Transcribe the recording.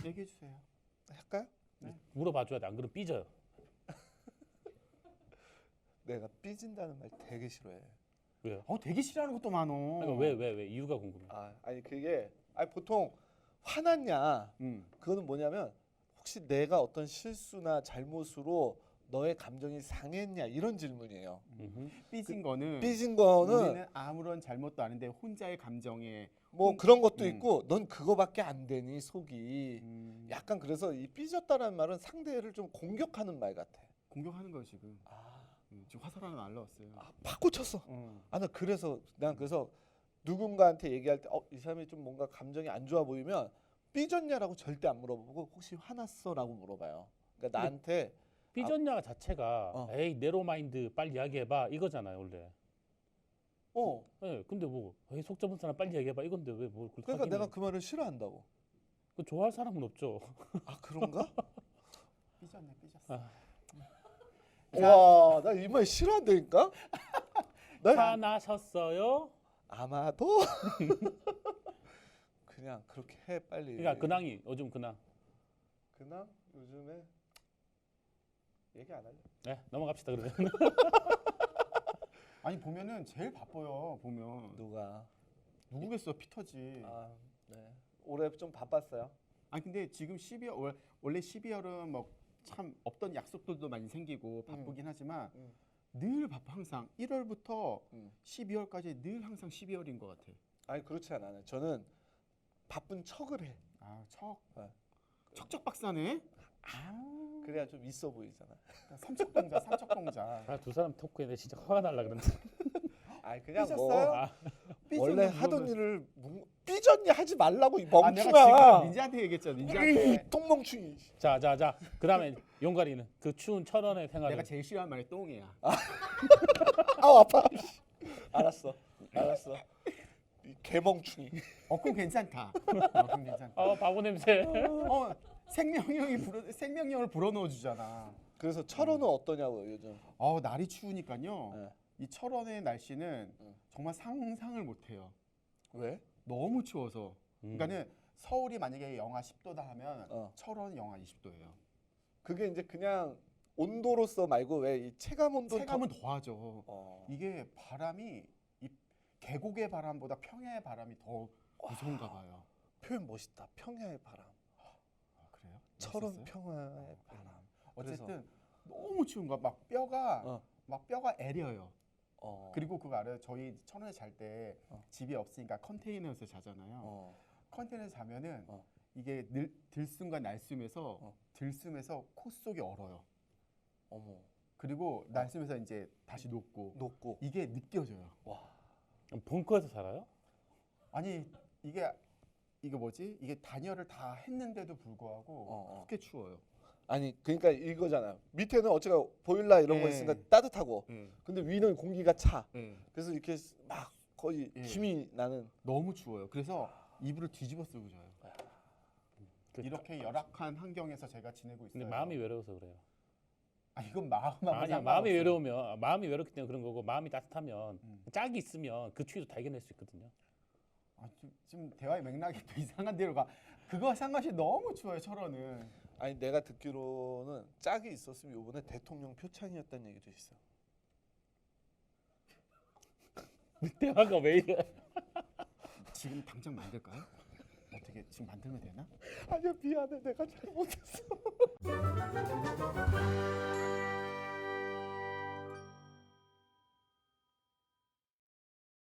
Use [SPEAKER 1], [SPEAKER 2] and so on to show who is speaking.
[SPEAKER 1] 얘기해 주세요.
[SPEAKER 2] 할까요?
[SPEAKER 1] 네.
[SPEAKER 3] 물어봐줘야 돼. 안 그러면 삐져요.
[SPEAKER 2] 내가 삐진다는 말 되게 싫어해.
[SPEAKER 3] 왜요?
[SPEAKER 1] 되게 싫어하는 것도 많어.
[SPEAKER 3] 그러니까 왜 이유가 궁금해.
[SPEAKER 2] 아니 그게 보통 화났냐? 그거는 뭐냐면 혹시 내가 어떤 실수나 잘못으로 너의 감정이 상했냐 이런 질문이에요.
[SPEAKER 1] 삐진 거는
[SPEAKER 2] 삐진 거는
[SPEAKER 1] 우리는 아무런 잘못도 아닌데 혼자의 감정에
[SPEAKER 2] 뭐 그런 것도 있고 넌 그거밖에 안 되니 속이 약간 그래서 이 삐졌다라는 말은 상대를 좀 공격하는 말 같아.
[SPEAKER 1] 공격하는 거예요 지금. 지금 화살 하나 날라왔어요.
[SPEAKER 2] 팍 꽂혔어. 난 그래서 누군가한테 얘기할 때 이 사람이 좀 뭔가 감정이 안 좋아 보이면 삐졌냐라고 절대 안 물어보고 혹시 화났어라고 물어봐요. 그러니까 나한테
[SPEAKER 3] 삐졌냐 자체가 에이 네로마인드 빨리 이야기해봐 이거잖아요 원래. 네, 근데 뭐 에이 속 좁은 사람 빨리 얘기해봐 이건데 왜 뭘
[SPEAKER 2] 그러니까 내가 그 말을 싫어한다고.
[SPEAKER 3] 그 좋아할 사람은 없죠.
[SPEAKER 2] 그런가?
[SPEAKER 1] 삐졌어.
[SPEAKER 2] 와, 나 이 말 싫어한다니까?
[SPEAKER 3] 화나셨어요?
[SPEAKER 2] 아마도 그냥 그렇게 해 빨리.
[SPEAKER 3] 그러니까 근황이 요즘 근황.
[SPEAKER 2] 근황 요즘에 얘기 안 할래.
[SPEAKER 3] 네 넘어갑시다 그러면.
[SPEAKER 1] 아니 보면은 제일 바빠요. 보면
[SPEAKER 2] 누가?
[SPEAKER 1] 누구겠어? 피터지.
[SPEAKER 2] 네. 올해 좀 바빴어요.
[SPEAKER 1] 근데 지금 12월 원래 12월은 뭐 참 없던 약속들도 많이 생기고 바쁘긴 하지만 늘 바빠 항상 1월부터 12월까지 늘 항상 12월인 것 같아.
[SPEAKER 2] 아니 그렇지 않아요. 저는 바쁜 척을 해.
[SPEAKER 1] 척척 박사네.
[SPEAKER 2] 그래야 좀 있어 보이잖아.
[SPEAKER 1] 삼척동자.
[SPEAKER 3] 두 사람 토크에 진짜 화가 날라 그런데.
[SPEAKER 2] 그냥
[SPEAKER 1] 삐졌어요?
[SPEAKER 2] 원래 하던 일을 삐졌니 하지 말라고 이
[SPEAKER 1] 내가
[SPEAKER 2] 멍충아.
[SPEAKER 1] 지금 닌자한테 얘기했잖아. 닌자한테.
[SPEAKER 2] 똥멍충이.
[SPEAKER 3] 자. 그다음에 용가리는 그 추운 천원의 생활을.
[SPEAKER 1] 내가 제일 싫어하는 말이 똥이야.
[SPEAKER 2] 아파. 알았어. 이 개멍충이.
[SPEAKER 1] 그럼 괜찮다. 그럼 괜찮다.
[SPEAKER 3] 바보 냄새.
[SPEAKER 1] 생명력을 불어넣어 주잖아.
[SPEAKER 2] 그래서 철원은 어떠냐고요 요즘?
[SPEAKER 1] 날이 추우니까요. 이 철원의 날씨는 정말 상상을 못해요.
[SPEAKER 2] 왜?
[SPEAKER 1] 너무 추워서. 그러니까는 서울이 만약에 영하 10도다 하면 철원은 영하 20도예요.
[SPEAKER 2] 그게 이제 그냥 온도로서 말고 왜 이 체감 온도?
[SPEAKER 1] 체감은 더하죠. 이게 바람이 이 계곡의 바람보다 평야의 바람이 더 무서운가 봐요.
[SPEAKER 2] 표현 멋있다. 평야의 바람.
[SPEAKER 1] 그래요?
[SPEAKER 2] 철원
[SPEAKER 1] 멋있었어요?
[SPEAKER 2] 평야의 바람.
[SPEAKER 1] 어쨌든 너무 추운 거야. 막 뼈가 애려요. 그리고 그거 알아요? 저희 천원에 잘 때 집이 없으니까 컨테이너에서 자잖아요. 컨테이너에서 자면은 이게 들숨과 날숨에서 코 속이 얼어요. 그리고 날숨에서 이제 다시 녹고 이게 느껴져요.
[SPEAKER 2] 와.
[SPEAKER 3] 벙커에서 살아요?
[SPEAKER 1] 아니 이게 뭐지? 이게 단열을 다 했는데도 불구하고 그렇게 추워요.
[SPEAKER 2] 아니 그러니까 이거잖아요. 밑에는 어째가 보일러 이런 거 있으니까 따뜻하고, 근데 위는 공기가 차. 그래서 이렇게 막 거의 힘이 나는.
[SPEAKER 1] 너무 추워요. 그래서 이불을 뒤집어 쓰고 자요. 이렇게 열악한 환경에서 제가 지내고 있어요.
[SPEAKER 3] 근데 마음이 외로워서 그래요.
[SPEAKER 1] 이건 마음하고
[SPEAKER 3] 아니야, 마음이 외로우면 마음이 외롭기 때문에 그런 거고, 마음이 따뜻하면 짝이 있으면 그 추위도 다 이겨낼 수 있거든요.
[SPEAKER 1] 지금 대화의 맥락이 또 이상한 데로 가. 그거 상관없이 너무 추워요 철원은.
[SPEAKER 2] 아니 내가 듣기로는 짝이 있었으면 이번에 대통령 표창이었다는 얘기도 있어.
[SPEAKER 3] 대화가 왜 이래?
[SPEAKER 1] 지금 당장 만들까요? 어떻게 지금 만들면 되나?
[SPEAKER 2] 아니야 미안해 내가 잘못했어.